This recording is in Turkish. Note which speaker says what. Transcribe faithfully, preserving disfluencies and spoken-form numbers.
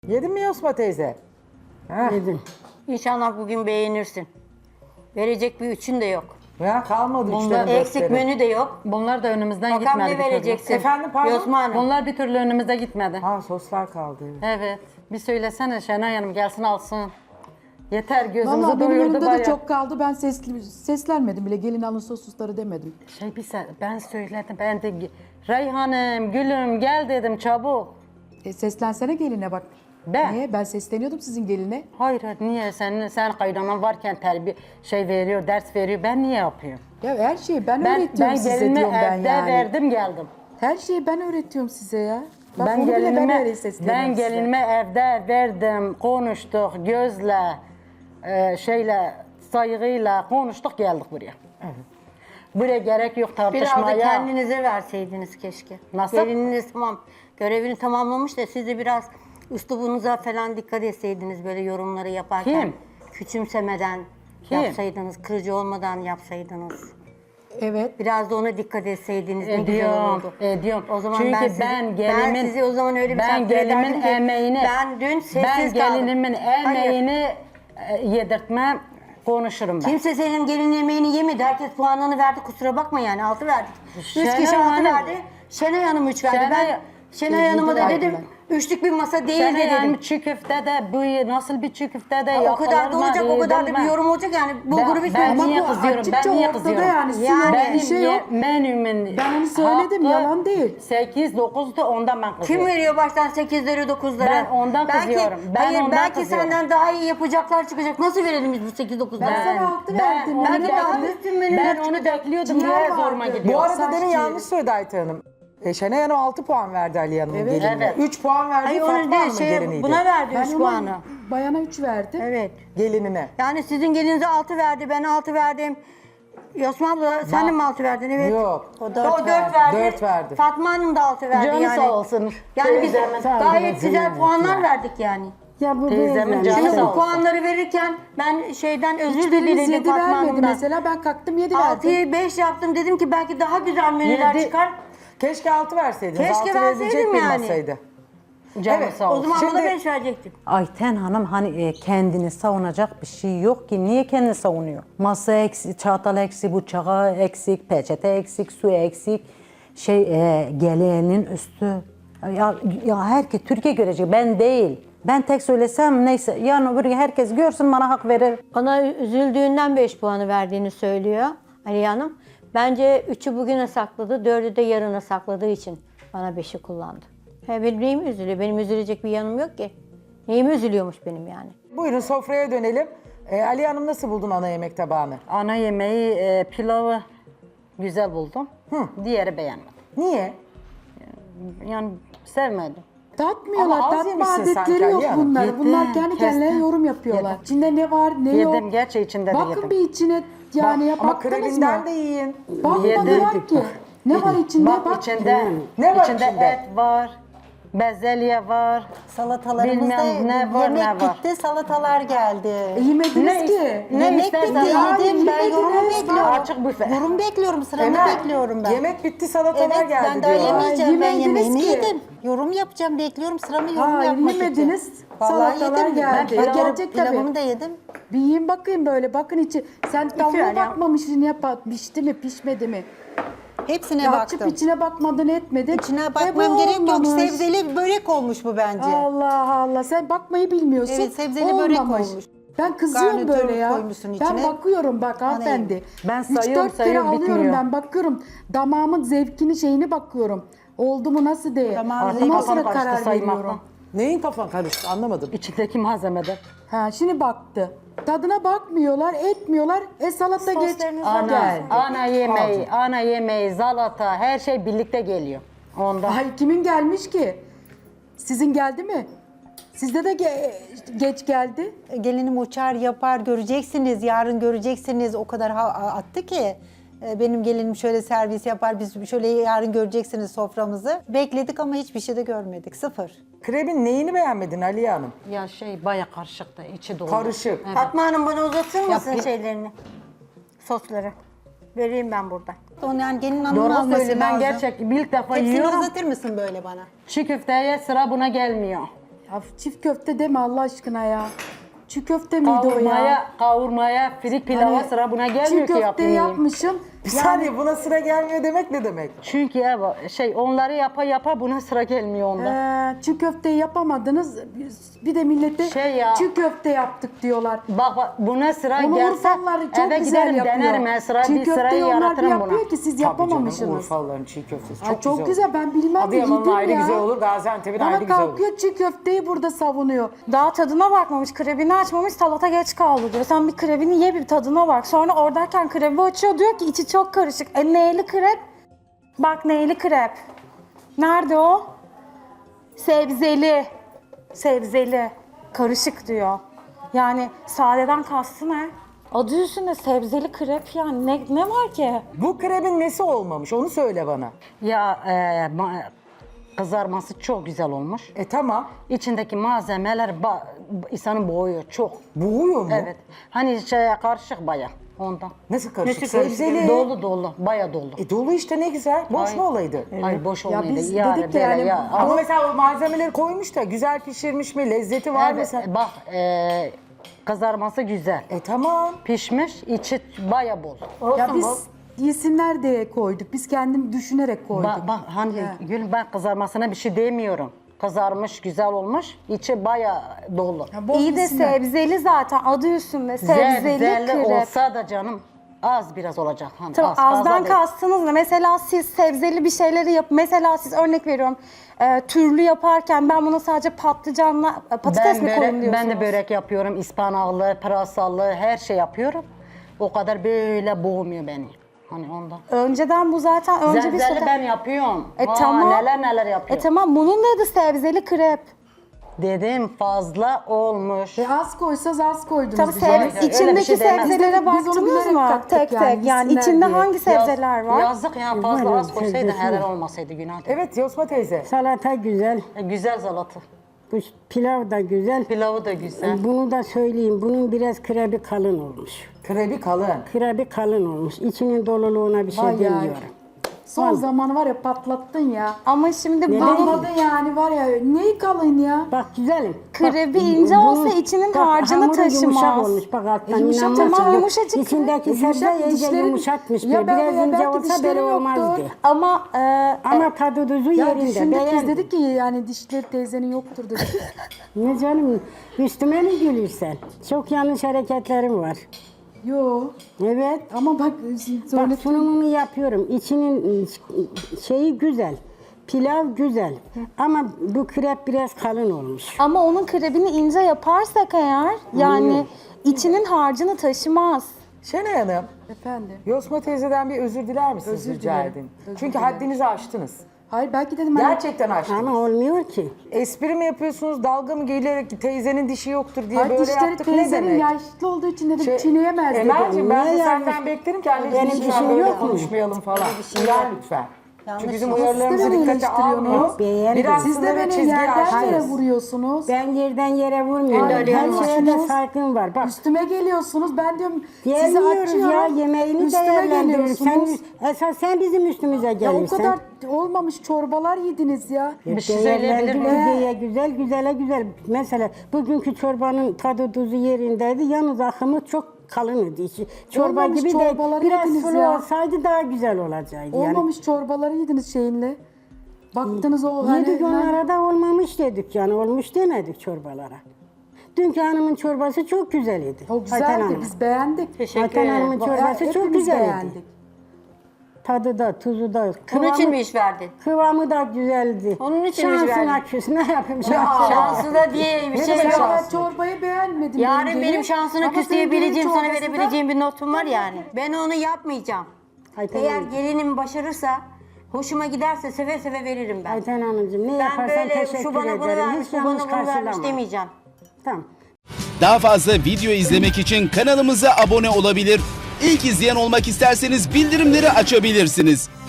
Speaker 1: Yedin mi Yosma teyze? Ha.
Speaker 2: Yedim.
Speaker 3: İnşallah bugün beğenirsin. Verecek bir üçün de yok.
Speaker 1: Ya kalmadı
Speaker 2: Bunlar
Speaker 1: üçlerin
Speaker 3: Eksik
Speaker 1: dörtleri.
Speaker 3: menü de yok.
Speaker 2: Bunlar da önümüzden
Speaker 3: Bakalım
Speaker 2: gitmedi.
Speaker 3: ne
Speaker 2: bir türlü.
Speaker 3: vereceksin?
Speaker 1: Efendim, pardon?
Speaker 3: Yosma Hanım.
Speaker 2: Bunlar bir türlü önümüzde gitmedi.
Speaker 1: Ha soslar kaldı. Evet.
Speaker 2: Evet. Bir söylesene Şenay Hanım gelsin alsın. Yeter gözümüzü
Speaker 4: Valla benim
Speaker 2: doyurdu
Speaker 4: önümde
Speaker 2: bayağı.
Speaker 4: de çok kaldı. Ben sesli, seslenmedim bile. Gelin alın soslusları demedim.
Speaker 2: Şey bir se- ben söyledim. Ben de Reyhan'ım, gülüm gel dedim çabuk.
Speaker 4: E, seslensene geline bak.
Speaker 2: Ben?
Speaker 4: Niye? Ben sesleniyordum sizin geline.
Speaker 2: Hayır niye sen sen kaynanan varken terbiye şey veriyor, ders veriyor. Ben niye yapıyorum?
Speaker 4: Ya her şeyi ben,
Speaker 2: Ben
Speaker 4: öğretiyorum
Speaker 2: ben
Speaker 4: size
Speaker 2: gelinime
Speaker 4: diyorum ben
Speaker 2: evde
Speaker 4: yani.
Speaker 2: verdim geldim.
Speaker 4: Her şeyi ben öğretiyorum size ya. Bak
Speaker 2: Ben
Speaker 4: onu bile ben öyle
Speaker 2: gelinime,
Speaker 4: sesleniyorum
Speaker 2: ben
Speaker 4: size.
Speaker 2: gelinime evde verdim, konuştuk, gözle, e, şeyle, saygıyla konuştuk geldik buraya. Buraya gerek yok
Speaker 3: Biraz da
Speaker 2: tartışmaya.
Speaker 3: kendinize verseydiniz keşke.
Speaker 2: Nasıl?
Speaker 3: Gelininiz tamam görevini tamamlamış da siz de biraz üslubunuza falan dikkat etseydiniz böyle yorumları yaparken.
Speaker 2: Kim?
Speaker 3: Küçümsemeden
Speaker 2: Kim?
Speaker 3: yapsaydınız, kırıcı olmadan yapsaydınız.
Speaker 4: Evet.
Speaker 3: Biraz da ona dikkat etseydiniz ne güzel
Speaker 2: Ediyorum,
Speaker 3: olurdu.
Speaker 2: ediyorum.
Speaker 3: O zaman
Speaker 2: Çünkü
Speaker 3: ben, sizi,
Speaker 2: ben gelinimin,
Speaker 3: ben sizi o zaman öyle bir
Speaker 2: ben
Speaker 3: takdir
Speaker 2: gelinimin
Speaker 3: ederdim ki,
Speaker 2: emeğini,
Speaker 3: ben dün sessiz
Speaker 2: ben
Speaker 3: kaldım.
Speaker 2: gelinimin
Speaker 3: Hayır.
Speaker 2: emeğini e, yedirtmem, konuşurum ben.
Speaker 3: Kimse senin gelin yemeğini yemedi. Herkes puanını verdi. Kusura bakma yani. Altı verdik. Üç
Speaker 2: Şenay
Speaker 3: kişi altı
Speaker 2: Hanım-
Speaker 3: verdi. Şenay Hanım üç verdi.
Speaker 2: Şenay-
Speaker 3: ben Şenay Hanım'a da
Speaker 4: verdim
Speaker 3: dedim. Üçlük bir masa değil
Speaker 2: Sen
Speaker 3: de dedim.
Speaker 2: yani çiğ köfte de bu nasıl bir çiğ köfte de
Speaker 3: Ha, o kadar da
Speaker 2: yapılır mı,
Speaker 3: olacak, o kadar da
Speaker 2: edilmez.
Speaker 3: bir yorum olacak yani. Bulguru
Speaker 2: Ben-
Speaker 3: bir
Speaker 2: ben
Speaker 3: söyleyeyim.
Speaker 2: niye
Speaker 4: Ama bu
Speaker 2: kızıyorum,
Speaker 4: açıkça
Speaker 2: ben niye
Speaker 4: ortada
Speaker 2: kızıyorum?
Speaker 4: yani. Su
Speaker 3: Yani
Speaker 4: yok,
Speaker 2: Benim
Speaker 4: bir şey
Speaker 2: ye-
Speaker 4: yok.
Speaker 2: menümün
Speaker 4: Ben onu söyledim, yalan değil.
Speaker 2: sekiz dokuzdu ondan ben
Speaker 3: Kim
Speaker 2: kızıyorum.
Speaker 3: veriyor baştan sekizleri dokuzları?
Speaker 2: Ben ondan
Speaker 3: belki,
Speaker 2: kızıyorum, ben
Speaker 3: hayır,
Speaker 2: ondan
Speaker 3: belki
Speaker 2: kızıyorum.
Speaker 3: senden daha iyi yapacaklar çıkacak. Nasıl verelim biz bu sekiz dokuzları?
Speaker 4: Ben sana altı verdim.
Speaker 2: onu
Speaker 3: Belki daha
Speaker 2: bekli-
Speaker 3: üstün menüler
Speaker 2: Ben onu
Speaker 3: çıkacak.
Speaker 2: bekliyordum
Speaker 4: Ciğer
Speaker 2: diye
Speaker 4: vardı.
Speaker 2: zoruma gidiyor.
Speaker 1: Bu arada
Speaker 4: Saç
Speaker 1: demin
Speaker 4: ciğeri.
Speaker 1: yanlış söyledi Ayten Hanım. E, Şenay Hanım altı puan verdi Ali Hanım'ın
Speaker 4: Evet.
Speaker 1: gelinine.
Speaker 2: Evet.
Speaker 1: üç puan verdi
Speaker 3: Hayır
Speaker 1: Fatma
Speaker 3: onu değil,
Speaker 1: Hanım'ın
Speaker 3: şey,
Speaker 1: geliniydi.
Speaker 3: buna verdi
Speaker 4: Ben
Speaker 3: üç
Speaker 4: ona
Speaker 3: puanı.
Speaker 4: bayana üç verdim.
Speaker 3: Evet.
Speaker 1: Gelinine.
Speaker 3: Yani sizin gelinize altı verdi, ben altı verdim. Yosma abla sen de mi altı verdin? Evet.
Speaker 1: Yok.
Speaker 3: O
Speaker 1: dört
Speaker 3: dört
Speaker 1: verdi.
Speaker 3: verdi.
Speaker 1: Dört verdi.
Speaker 3: Fatma Hanım da altı verdi
Speaker 2: Canı
Speaker 3: yani.
Speaker 2: sağ olsun.
Speaker 3: Yani biz
Speaker 2: Teyzemin-
Speaker 3: gayet güzel puanlar verdik yani.
Speaker 4: Ya bu
Speaker 2: Teyzemin
Speaker 4: böyle.
Speaker 2: canı
Speaker 3: Şimdi
Speaker 2: sağ
Speaker 3: bu
Speaker 2: olsun.
Speaker 3: puanları verirken ben şeyden özür
Speaker 4: Hiçbiriniz
Speaker 3: diledim
Speaker 4: yedi
Speaker 3: Fatma
Speaker 4: vermedi
Speaker 3: Hanım'dan.
Speaker 4: mesela. Ben kalktım yedi verdim.
Speaker 3: altıya beş yaptım dedim ki belki daha güzel menüler
Speaker 1: Yedi.
Speaker 3: çıkar.
Speaker 1: Keşke altı verseydiniz.
Speaker 3: Keşke
Speaker 1: altı verilecek
Speaker 3: verseydim
Speaker 1: bir
Speaker 3: yani.
Speaker 1: masaydı.
Speaker 2: Canı
Speaker 1: Evet,
Speaker 2: sağ
Speaker 3: O
Speaker 2: olsun.
Speaker 3: zaman bana
Speaker 1: Şimdi-
Speaker 3: beş verecektim.
Speaker 5: Ayten Hanım hani e, kendini savunacak bir şey yok ki. Niye kendini savunuyor? Masa eksik, çatal eksik, bıçağı eksik, peçete eksik, su eksik. Şey e, gelenin üstü. Ya, ya herkes Türkiye görecek. Ben değil. Ben tek söylesem neyse. Yarın öbür gün herkes görsün bana hak verir.
Speaker 3: Bana üzüldüğünden beş puanı verdiğini söylüyor Aliye Hanım. Bence üçü bugüne sakladı, dördü de yarına sakladığı için bana beşi kullandı. He, benim neyim üzülüyor? Benim üzülecek bir yanım yok ki. Neyim üzülüyormuş benim yani?
Speaker 1: Buyurun sofraya dönelim. E, Ali Hanım nasıl buldun ana yemek tabağını?
Speaker 2: Ana yemeği, e, pilavı güzel buldum. Diğeri beğenmedim.
Speaker 1: Niye?
Speaker 2: Yani sevmedim.
Speaker 4: Tatmıyorlar.
Speaker 1: Ama az
Speaker 4: Tatma
Speaker 1: yemişsin sanki
Speaker 4: adetleri yok
Speaker 1: Ali Hanım.
Speaker 4: bunlar.
Speaker 2: Yedim,
Speaker 4: Bunlar kendi kendilerine
Speaker 2: kestim.
Speaker 4: yorum yapıyorlar.
Speaker 2: Yedim.
Speaker 4: İçinde ne var ne yok.
Speaker 2: Yedim, gerçi içinde de
Speaker 4: Bakın
Speaker 2: yedim.
Speaker 4: bir içine yani ya
Speaker 1: Ama
Speaker 4: baktınız
Speaker 1: krebinden
Speaker 4: mı?
Speaker 1: de yiyin.
Speaker 4: Bakmadılar
Speaker 2: Yedim.
Speaker 4: ki. Ne var içinde?
Speaker 2: Bak,
Speaker 4: Bak.
Speaker 2: içinde,
Speaker 1: Ne var
Speaker 2: içinde
Speaker 1: içinde?
Speaker 2: et var, bezelye var.
Speaker 6: Salatalarımızda
Speaker 2: Bilmem ne var,
Speaker 6: yemek
Speaker 2: ne var.
Speaker 6: gitti, salatalar geldi.
Speaker 4: E, yemediniz
Speaker 2: Ne
Speaker 4: ki.
Speaker 2: is- ne
Speaker 6: yemek
Speaker 2: istersen
Speaker 6: bitti,
Speaker 2: ya,
Speaker 6: yedim. Ben
Speaker 4: yemediniz.
Speaker 6: yorumu bekliyorum.
Speaker 2: Açık büfe.
Speaker 6: Yorum bekliyorum, sıramı
Speaker 1: Emel,
Speaker 6: bekliyorum ben.
Speaker 1: yemek bitti salatalar
Speaker 6: Evet,
Speaker 1: geldi
Speaker 6: ben daha
Speaker 1: diyorlar.
Speaker 6: yemeyeceğim. Ben
Speaker 4: Yemediniz
Speaker 6: yemeğimi
Speaker 4: ki.
Speaker 6: yedim. Yorum yapacağım, bekliyorum sıramı yorum
Speaker 4: Ha,
Speaker 6: yapmak
Speaker 4: yemediniz,
Speaker 6: için. Vallahi
Speaker 4: salatalar
Speaker 6: yedim.
Speaker 4: geldi.
Speaker 6: Ben pilav-
Speaker 4: Gelecek tabii.
Speaker 6: pilavımı da yedim.
Speaker 4: Bir yiyin bakayım böyle. Bakın içi. Sen tavuğa
Speaker 3: ya.
Speaker 4: bakmamışsın ya pişti mi pişmedi mi?
Speaker 6: Hepsine
Speaker 4: Ya
Speaker 6: baktım.
Speaker 4: açıp içine bakmadın etmedin.
Speaker 6: İçine
Speaker 4: E, bu
Speaker 6: bakmam gerek yok.
Speaker 4: olmamış.
Speaker 6: Sebzeli börek olmuş bu bence.
Speaker 4: Allah Allah sen bakmayı bilmiyorsun.
Speaker 6: Evet, sebzeli börek olmuş.
Speaker 4: Ben kızıyorum
Speaker 6: Garnitür
Speaker 4: böyle ya.
Speaker 6: koymuşsun
Speaker 4: Ben
Speaker 6: içine.
Speaker 4: bakıyorum bak hanımefendi.
Speaker 2: Ben
Speaker 4: Üç,
Speaker 2: sayıyorum,
Speaker 4: dört kere
Speaker 2: sayıyorum,
Speaker 4: alıyorum
Speaker 2: bitmiyor.
Speaker 4: ben bakıyorum. Damağımın zevkini şeyini bakıyorum. Oldu mu nasıl diye.
Speaker 6: Damağın
Speaker 4: Ondan
Speaker 6: zevki
Speaker 4: sonra
Speaker 2: kafam karıştı
Speaker 4: karar
Speaker 2: saymakla.
Speaker 4: veriyorum.
Speaker 1: Neyin kafan karıştı anlamadım.
Speaker 2: İçindeki malzemede.
Speaker 4: Ha şimdi baktı. Tadına bakmıyorlar, etmiyorlar. E salata geç.
Speaker 3: Soslarınız
Speaker 4: Geldi.
Speaker 2: Ana yemeği, ana yemeği, salata, her şey birlikte geliyor. Onda.
Speaker 4: Ay kimin gelmiş ki? Sizin geldi mi? Sizde de ge- geç geldi.
Speaker 6: Gelinim uçar yapar göreceksiniz. Yarın göreceksiniz. O kadar ha- attı ki. E, Benim gelinim şöyle servis yapar. Biz şöyle yarın göreceksiniz soframızı. Bekledik ama hiçbir şey de görmedik. Sıfır.
Speaker 1: Krebin neyini beğenmedin Aliye Hanım?
Speaker 2: Ya şey baya karışıktı, içi dolu.
Speaker 1: Karışık.
Speaker 2: Evet.
Speaker 3: Fatma Hanım bana uzatır mısın
Speaker 2: bir-
Speaker 3: şeylerini? Sosları. Vereyim ben buradan.
Speaker 6: Onu yani gelin hanımın
Speaker 2: Doğru
Speaker 6: alması
Speaker 2: söyleyeyim, ben
Speaker 6: lazım.
Speaker 2: gerçek ilk defa
Speaker 6: Hepsini
Speaker 2: yiyorum.
Speaker 6: uzatır mısın böyle bana?
Speaker 2: Çiğ köfteye sıra buna gelmiyor.
Speaker 4: Af, çift köfte deme Allah aşkına ya. Çiğ köfte miydi o ya?
Speaker 2: Kavurmaya, kavurmaya, firik pilava
Speaker 4: Hani
Speaker 2: sıra buna
Speaker 4: çiğ
Speaker 2: gelmiyor ki
Speaker 4: köfte
Speaker 2: yapmayayım.
Speaker 4: yapmışım.
Speaker 1: Bir saniye buna sıra gelmiyor demek ne demek?
Speaker 2: Çünkü ya şey onları yapa yapa buna sıra gelmiyor onda.
Speaker 4: Ee, çiğ köfteyi yapamadınız. Bir de millete
Speaker 2: Şey ya-
Speaker 4: çiğ köfte yaptık diyorlar.
Speaker 2: Bak bak buna sıra
Speaker 4: Onu
Speaker 2: gelse
Speaker 4: Urfalılar çok
Speaker 2: eve
Speaker 4: güzel
Speaker 2: giderim
Speaker 4: yapıyor.
Speaker 2: denerim ben sıra
Speaker 4: Çiğ
Speaker 2: bir sırayı
Speaker 4: köfteyi onlar bir
Speaker 2: yaratırım buna.
Speaker 4: yapıyor ki siz
Speaker 1: Tabii canım
Speaker 4: yapamamışsınız.
Speaker 1: Urfalıların çiğ köftesi
Speaker 4: Aa,
Speaker 1: çok,
Speaker 4: çok
Speaker 1: güzel.
Speaker 4: güzel,
Speaker 1: olur.
Speaker 4: ben bilmem
Speaker 1: Adıyaman'ın
Speaker 4: yedim
Speaker 1: ayrı
Speaker 4: ya.
Speaker 1: güzel olur, Gaziantep'in
Speaker 4: Ama
Speaker 1: ayrı güzel olur.
Speaker 4: kalkıyor çiğ köfteyi burada savunuyor.
Speaker 7: Daha tadına bakmamış, krebini açmamış, salata geç kaldı diyor. Sen bir krebini ye, bir tadına bak. Sonra oradayken krebi açıyor, diyor ki içi çok karışık. E neyli krep? Bak neyli krep. Nerede o? Sebzeli. Sebzeli. Karışık diyor. Yani sadeden kastı ne? Adı üstünde sebzeli krep yani. Ne, ne var ki?
Speaker 1: Bu krebin nesi olmamış onu söyle bana.
Speaker 2: Ya e, ma- kızarması çok güzel olmuş.
Speaker 1: E tamam.
Speaker 2: İçindeki malzemeler ba- insanı boğuyor çok.
Speaker 1: Buğuyor mu?
Speaker 2: Evet. Hani şey karışık baya ondan.
Speaker 1: Nasıl karışık?
Speaker 2: Nasıl karışık?
Speaker 1: Sebzeli.
Speaker 2: Dolu dolu, baya dolu.
Speaker 1: E dolu işte ne güzel. Boş
Speaker 2: Ay.
Speaker 1: mu olaydı?
Speaker 2: Ay boş
Speaker 4: Ya
Speaker 2: olmaydı.
Speaker 4: biz
Speaker 2: yani
Speaker 4: dedik
Speaker 2: böyle
Speaker 4: yani-
Speaker 2: ya.
Speaker 1: Ama mesela o malzemeleri koymuş da güzel pişirmiş mi? Lezzeti var mı?
Speaker 2: Evet,
Speaker 1: Sen...
Speaker 2: bak e, kızarması güzel.
Speaker 1: E tamam.
Speaker 2: Pişmiş, içi baya bol.
Speaker 4: Ya biz yesinler diye koyduk. Biz kendim düşünerek koyduk.
Speaker 2: Bak, bak hani Gül ben kızarmasına bir şey demiyorum. Kızarmış, güzel olmuş. İçi baya dolu.
Speaker 4: Ya bol
Speaker 7: İyi de
Speaker 4: yesinler.
Speaker 7: sebzeli zaten adı üstünde. Sebzeli
Speaker 2: Zebzeli
Speaker 7: krep.
Speaker 2: olsa da canım az biraz olacak. Hani
Speaker 7: Tamam,
Speaker 2: az, fazla
Speaker 7: azdan
Speaker 2: değil.
Speaker 7: kastınız ne? Mesela siz sebzeli bir şeyleri yap. Mesela siz örnek veriyorum. E, türlü yaparken ben buna sadece patlıcanla e, patates
Speaker 2: Ben,
Speaker 7: mi
Speaker 2: börek-
Speaker 7: koyayım diyorsunuz?
Speaker 2: ben de börek yapıyorum, ıspanaklı, pırasalı her şey yapıyorum. O kadar böyle boğmuyor beni. Hani ondan.
Speaker 7: Önceden bu zaten önce bir
Speaker 2: Zebzeli
Speaker 7: sote-
Speaker 2: ben yapıyorum.
Speaker 7: E
Speaker 2: Aa,
Speaker 7: tamam.
Speaker 2: Neler neler
Speaker 7: E
Speaker 2: yapıyorum.
Speaker 7: tamam, bunun da adı sebzeli krep.
Speaker 2: Dedim fazla olmuş.
Speaker 4: E az koysanız az koydunuz.
Speaker 7: Tabii
Speaker 4: bize.
Speaker 7: seb-
Speaker 2: Öyle bir
Speaker 7: içindeki
Speaker 2: şey demez.
Speaker 7: sebzelere
Speaker 4: Biz de- biz onu
Speaker 7: baktınız
Speaker 4: bilerek
Speaker 7: mı?
Speaker 4: kattık
Speaker 7: Tek
Speaker 4: yani,
Speaker 7: tek. Yani
Speaker 4: yesinler
Speaker 7: içinde
Speaker 4: diye.
Speaker 7: hangi sebzeler var?
Speaker 2: Yazık ya fazla
Speaker 8: Var,
Speaker 2: az koysaydı
Speaker 8: sebzesi
Speaker 2: helal
Speaker 8: var.
Speaker 2: olmasaydı günah.
Speaker 1: Evet Yosma teyze.
Speaker 8: Salata güzel,
Speaker 2: E, güzel salata.
Speaker 8: bu pilav da güzel.
Speaker 2: Pilavı da güzel.
Speaker 8: Bunu da söyleyeyim, bunun biraz krebi kalın olmuş.
Speaker 1: Krebi kalın.
Speaker 8: Krebi kalın olmuş. İçinin doluluğuna bir şey
Speaker 4: Vay ya.
Speaker 8: demiyorum.
Speaker 4: Son zamanı var ya patlattın ya.
Speaker 7: Ama şimdi bunun
Speaker 4: Anladın yani var ya neyi kalın ya.
Speaker 8: Bak güzelim.
Speaker 7: krebi
Speaker 8: Bak,
Speaker 7: ince
Speaker 8: bunun-
Speaker 7: olsa içinin
Speaker 8: bak,
Speaker 7: harcını
Speaker 8: hamuru
Speaker 7: taşımaz.
Speaker 8: yumuşak olmuş. Bak alttan
Speaker 4: Yumuşak,
Speaker 8: inanmazsın.
Speaker 7: tamam,
Speaker 8: Yok,
Speaker 7: yumuşacık.
Speaker 8: İçindeki sebze
Speaker 4: Yumuşak,
Speaker 8: iyice
Speaker 4: dişlerin-
Speaker 8: yumuşatmış.
Speaker 4: Ya
Speaker 8: bir.
Speaker 4: ben-
Speaker 8: Biraz
Speaker 4: ya
Speaker 8: ince
Speaker 4: belki
Speaker 8: olsa
Speaker 4: dişleri
Speaker 8: böyle
Speaker 4: yoktur.
Speaker 8: olmazdı.
Speaker 7: Ama e,
Speaker 8: Ama tadı tuzu
Speaker 4: Ya
Speaker 8: yerinde.
Speaker 4: düşündük biz
Speaker 8: Beğendim.
Speaker 4: dedik ki yani dişleri teyzenin yoktur dedik.
Speaker 8: Ne canım, üstüme mi gülürsen? Çok yanlış hareketlerim var.
Speaker 4: Yo
Speaker 8: Evet.
Speaker 4: ama bak
Speaker 8: Bak
Speaker 4: söyle.
Speaker 8: sunumunu yapıyorum. İçinin şeyi güzel. Pilav güzel. Ama bu krep biraz kalın olmuş.
Speaker 7: ama onun krebini ince yaparsak eğer yani içinin harcını taşımaz.
Speaker 1: Şenay Hanım,
Speaker 4: Efendim.
Speaker 1: Yosma teyzeden bir özür diler misiniz
Speaker 4: Özür
Speaker 1: rica
Speaker 4: dilerim.
Speaker 1: edin?
Speaker 4: Özür
Speaker 1: Çünkü
Speaker 4: dilerim.
Speaker 1: haddinizi aştınız.
Speaker 4: Hayır belki dedim hani
Speaker 1: Gerçekten aştınız.
Speaker 8: Ama olmuyor ki.
Speaker 1: Espri mi yapıyorsunuz, dalga mı gelerek teyzenin dişi yoktur diye
Speaker 4: Hayır,
Speaker 1: böyle
Speaker 4: dişleri
Speaker 1: yaptık ne
Speaker 4: teyzenin
Speaker 1: demek?
Speaker 4: yaşlı olduğu için dedim
Speaker 1: Şey,
Speaker 4: çiğneyemez dedim.
Speaker 1: Emel'cim ben de
Speaker 8: Niye
Speaker 1: senden
Speaker 8: yani?
Speaker 1: beklerim ki anneciğim
Speaker 8: Benim
Speaker 1: lütfen
Speaker 8: dişim
Speaker 1: böyle
Speaker 8: yok mu?
Speaker 1: konuşmayalım falan. Uyar lütfen. Çünkü bizim
Speaker 4: Siz
Speaker 1: uyarılarımızı
Speaker 4: de beni
Speaker 1: dikkate
Speaker 4: eleştiriyorsunuz.
Speaker 1: almıyor.
Speaker 8: Beğendim.
Speaker 1: Biraz
Speaker 4: Siz de
Speaker 1: sınırı
Speaker 4: beni
Speaker 1: çizgiyi
Speaker 4: yerden
Speaker 1: aştınız.
Speaker 4: yere vuruyorsunuz.
Speaker 8: Ben yerden yere vurmuyorum.
Speaker 4: Ay,
Speaker 8: Her şeye de
Speaker 4: geliyorsunuz.
Speaker 8: saygım var. Bak
Speaker 4: Üstüme geliyorsunuz. Ben diyorum sizi
Speaker 8: gelmiyoruz
Speaker 4: açıyorum.
Speaker 8: ya yemeğini
Speaker 4: Üstüme
Speaker 8: değerlendiriyoruz. Sen,
Speaker 4: geliyorsunuz.
Speaker 8: esas sen bizim üstümüze
Speaker 4: Ya o
Speaker 8: gelirsen.
Speaker 4: kadar olmamış çorbalar yediniz ya.
Speaker 2: Bir şey söyleyebilir miyim?
Speaker 8: Değerlendir, güzel, güzele güzel. Mesela bugünkü çorbanın tadı tuzu yerindeydi. Yalnız akımı çok kalın idi. İçi çorba
Speaker 4: Olmamış
Speaker 8: gibi de
Speaker 4: çorbaları
Speaker 8: biraz
Speaker 4: yediniz
Speaker 8: sulu
Speaker 4: ya.
Speaker 8: olsaydı daha güzel olacaktı. Yani.
Speaker 4: Olmamış çorbaları yediniz şeyinle. Baktınız o hani
Speaker 8: Yedik onlara da olmamış dedik yani olmuş demedik çorbalara. Dünkü hanımın çorbası çok güzeldi.
Speaker 4: o
Speaker 8: Ayten
Speaker 4: güzeldi.
Speaker 8: Hanım.
Speaker 4: Biz beğendik.
Speaker 2: Teşekkür
Speaker 8: Ayten
Speaker 2: ederim.
Speaker 8: Hanım'ın çorbası
Speaker 4: Hepimiz
Speaker 8: çok güzeldi.
Speaker 4: beğendik.
Speaker 8: Tadı da, tuzu da.
Speaker 9: Bunun için
Speaker 8: kıvamı-
Speaker 9: mi iş verdin?
Speaker 8: Kıvamı da güzeldi.
Speaker 9: Onun için mi
Speaker 8: Şansına
Speaker 9: verdin?
Speaker 8: küs ne yapayım şansına.
Speaker 9: Şansı da diye bir
Speaker 1: Ne
Speaker 9: şey
Speaker 1: demek
Speaker 9: yok.
Speaker 1: şansı?
Speaker 4: Ben çorbayı beğenmedim.
Speaker 9: Yarın
Speaker 4: yengeyi.
Speaker 9: benim şansını
Speaker 4: Ama
Speaker 9: küsleyebileceğim,
Speaker 4: senin
Speaker 9: sana
Speaker 4: çorbası da-
Speaker 9: verebileceğim bir notum var yani. Ben onu yapmayacağım.
Speaker 8: Ayten
Speaker 9: Eğer
Speaker 8: Hanım.
Speaker 9: gelinim başarırsa, hoşuma giderse seve seve veririm ben.
Speaker 8: Ayten Hanımcığım ne
Speaker 9: Ben
Speaker 8: yaparsan
Speaker 9: böyle
Speaker 8: teşekkür
Speaker 9: şu bana bunu
Speaker 8: ederim.
Speaker 9: vermiş,
Speaker 8: Hiç
Speaker 9: bu
Speaker 8: yanlış
Speaker 9: bana bunu vermiş
Speaker 8: karşılama.
Speaker 9: demeyeceğim.
Speaker 8: Tamam.
Speaker 10: Daha fazla video izlemek için kanalımıza abone olabilir. İlk izleyen olmak isterseniz bildirimleri açabilirsiniz.